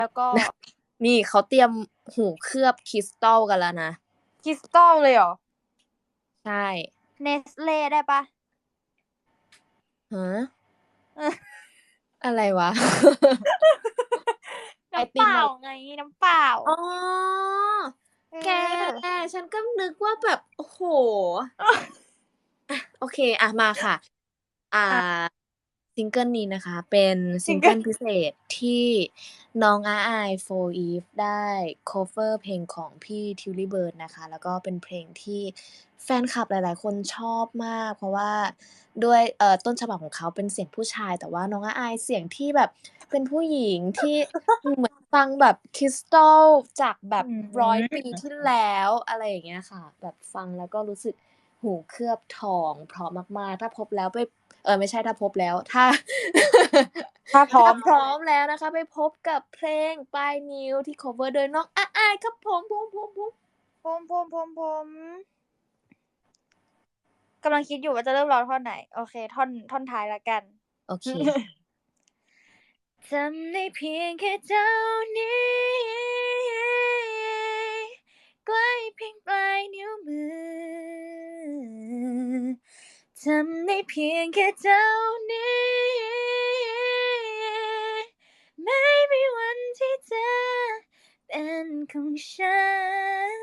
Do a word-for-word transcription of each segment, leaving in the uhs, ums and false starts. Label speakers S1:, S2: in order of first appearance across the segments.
S1: แล้วก็
S2: นี่เขาเตรียมหูเคลือบคริสตัลกันแล้วนะ
S1: คริสตัลเลยเหรอ
S2: ใช่
S1: Nestle ได้เปล่า?
S2: ฮะ อะไรวะ ไอ
S1: น้ำเ
S2: ต
S1: ปิล่
S2: ม
S1: า
S2: อะไร
S1: ไง น้ำเปล่า
S2: อ๋อ
S1: เอ
S2: แก
S1: อ
S2: ฉันก็นึกว่าแบบ โอ้โฮ อะ โอเค อะ มาค่ะ อ่
S1: ค่ะ
S2: า ซิงเกิลนี้นะคะ เป็นซ
S1: ซิิ
S2: งเก
S1: งเกิ
S2: ิ
S1: ล
S2: ลพิเศษที่น้องอาอาย โฟร์ อีฟ ได้ คัฟเวอร์ เพลงของพี่ Tilly Bird นะคะ แล้วก็เป็นเพลงที่แฟนคลับหลาย ๆ คนชอบมาก เพราะว่าด้วย เอ่อ ต้นฉบับของเขาเป็นเสียงผู้ชาย แต่ว่าน้องอาอายเสียงที่แบบเป็นผู้หญิง ที่ เหมือนฟังแบบคริสตัลจากแบ
S1: อื
S2: บ ร้อย ปี
S1: ม
S2: ที่แล้ว อะไรอย่างเงี้ยค่ะ แบบฟังแล้วก็รู้สึกหูเคลือบทอง เพราะมาก ๆ ถ้าพบแล้วไป เอ่อ ไม่ใช่ถ้าพบแล้ว ถ้า
S1: ถ้าพร้อ
S2: ถ้าม พร้อมแล้วนะคะ ไปพบกับเพลงปลายนิ้วที่ คัฟเวอร์ โดยน้องอาอายครับผม ผม ๆ ๆ
S1: ผม ๆ ๆ ๆ กำลังคิดอยู่ว่าจะเริ่มร้องท่อนไหน โอเค ท่อน ท่อนท้ายแล้วกัน
S2: โอเค
S1: ทำได้เพียงแค่เท่านี้ ใกล้เพียงปลายนิ้วมือ ทำได้เพียงแค่เท่านี้ ไม่มีวันที่เธอเป็นของฉัน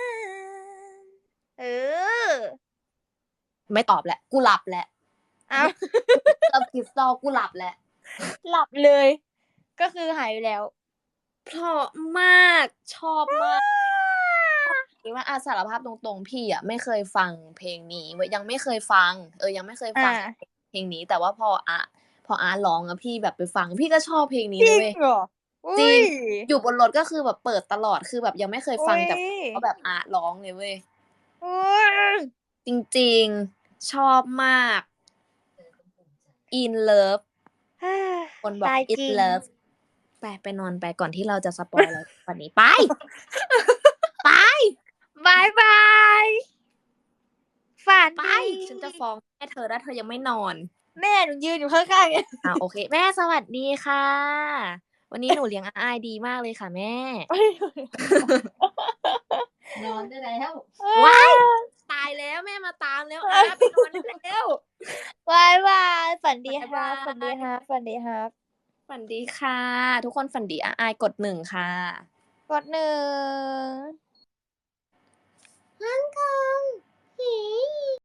S1: เออ
S2: ไม่ตอบแล้ว กูหลับแล้ว
S1: อ้าว
S2: หูเคลือบคริสตัล กูหลับแล้ว
S1: หลับเลย ก็คือหายไปแล้ว
S2: เพราะมาก ชอบมาก คิดว่า อะ สารภาพตรง ๆ พี่อะไม่เคยฟังเพลงนี้เว้ย ยังไม่เคยฟัง เออ ยังไม่เคย
S1: อ
S2: ฟัง
S1: า
S2: เพลงนี้ แต่ว่าพออา พออาร้องอะ พี่แบบไปฟัง พี่ก็ชอบเพลงนี้
S1: จร
S2: เลิยเ
S1: ง
S2: ว้ย
S1: เหรอ? อุ
S2: จร
S1: ๊
S2: ิง
S1: ย
S2: อยู่บนรถก็คือแบบเปิดตลอด คือแบบยังไม่เคย
S1: อุ
S2: ฟ
S1: ๊
S2: ัง
S1: ย
S2: แต่เพราะแบบอาร้องเลยเว้ย
S1: อุ๊ย
S2: จริง ๆ ชอบมาก In Love คนบ
S1: ต
S2: อก
S1: ายจ
S2: In
S1: ริง
S2: Love ไป ไปนอนไป ก่อนที่เราจะสปอยล์อะไรกว่านี้ ไป ไป
S1: บ๊ายบาย ฝัน
S2: ไป
S1: ดี
S2: ฉันจะฟ้องแม่เธอ ถ้าเธอยังไม่นอน
S1: แม่หนูยืนอยู่ข้าง ๆ เนี่ย
S2: อา โอเค แม่สวัสดีค่ะ วันนี้หนูเลี้ยงอาอายดีมากเลยค่ะแม่
S3: นอนได้แล้ว
S2: ว้าย! ตายแล้ว แม่มาตามแล้ว อา ไปนอนได้แล้ว
S1: บ๊ายบาย ฝันดี
S2: บ๊าย
S1: ค
S2: บา
S1: ฝันดีค
S2: ย
S1: รับ ฝันดีครับ
S2: ฝันดีค่ะ ทุกคนฝันดี อาอายกด หนึ่ง ค่ะ
S1: กด หนึ่ง
S2: ฮ่องกง หี